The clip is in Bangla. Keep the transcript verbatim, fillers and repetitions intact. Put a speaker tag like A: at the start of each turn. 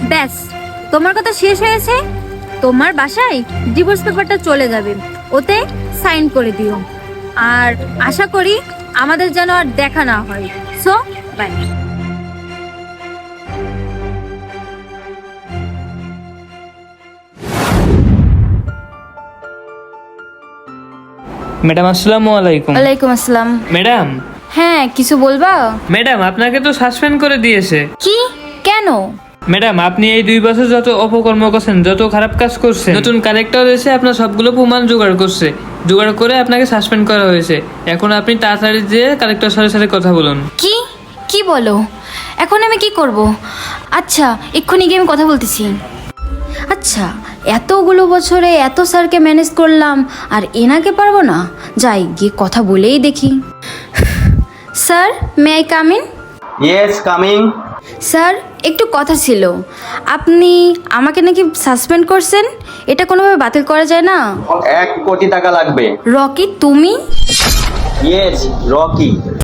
A: ব্যাস, তোমার কথা শেষ হয়েছে। তোমার বাসায় ডিভোর্স পেপারটা চলে যাবে, ওতে সাইন করে দিও। আর আশা করি আমাদের যেন আর দেখা না হয়। So by.
B: ম্যাডাম আসসালামু আলাইকুম।
C: ওয়ালাইকুম আসসালাম।
B: ম্যাডাম
C: হ্যাঁ, কিছু বলবা?
B: ম্যাডাম আপনাকে তো সাসপেন্ড করে দিয়েছে।
C: কি? কেন?
B: ম্যাডাম আপনি এই দুই বছর যত অপকর্ম করছেন, যত খারাপ কাজ করছেন, নতুন কালেক্টর এসে আপনার সবগুলো প্রমাণ জোগাড় করছে, জোগাড় করে আপনাকে সাসপেন্ড করা হয়েছে। এখন আপনি তাড়াতাড়ি যেয়ে কালেক্টর স্যারের সাথে কথা বলুন।
C: কি কি বলো? এখন আমি কি করব? আচ্ছা, এক্ষুনি গিয়ে আমি কথা বলতেছি। আচ্ছা, এতগুলো বছরে এত স্যারকে ম্যানেজ করলাম, আর এনাকে পারবো না? যাই গিয়ে কথা বলেই দেখি। Sir, may I come in?
D: Yes, coming.
C: Sir, একটু কথা ছিল। আপনি আমাকে নাকি সাসপেন্ড করছেন, এটা কোনোভাবে বাতিল করা যায় না?
D: এক কোটি টাকা লাগবে।
C: রকি, তুমি?
D: Yes, Rocky.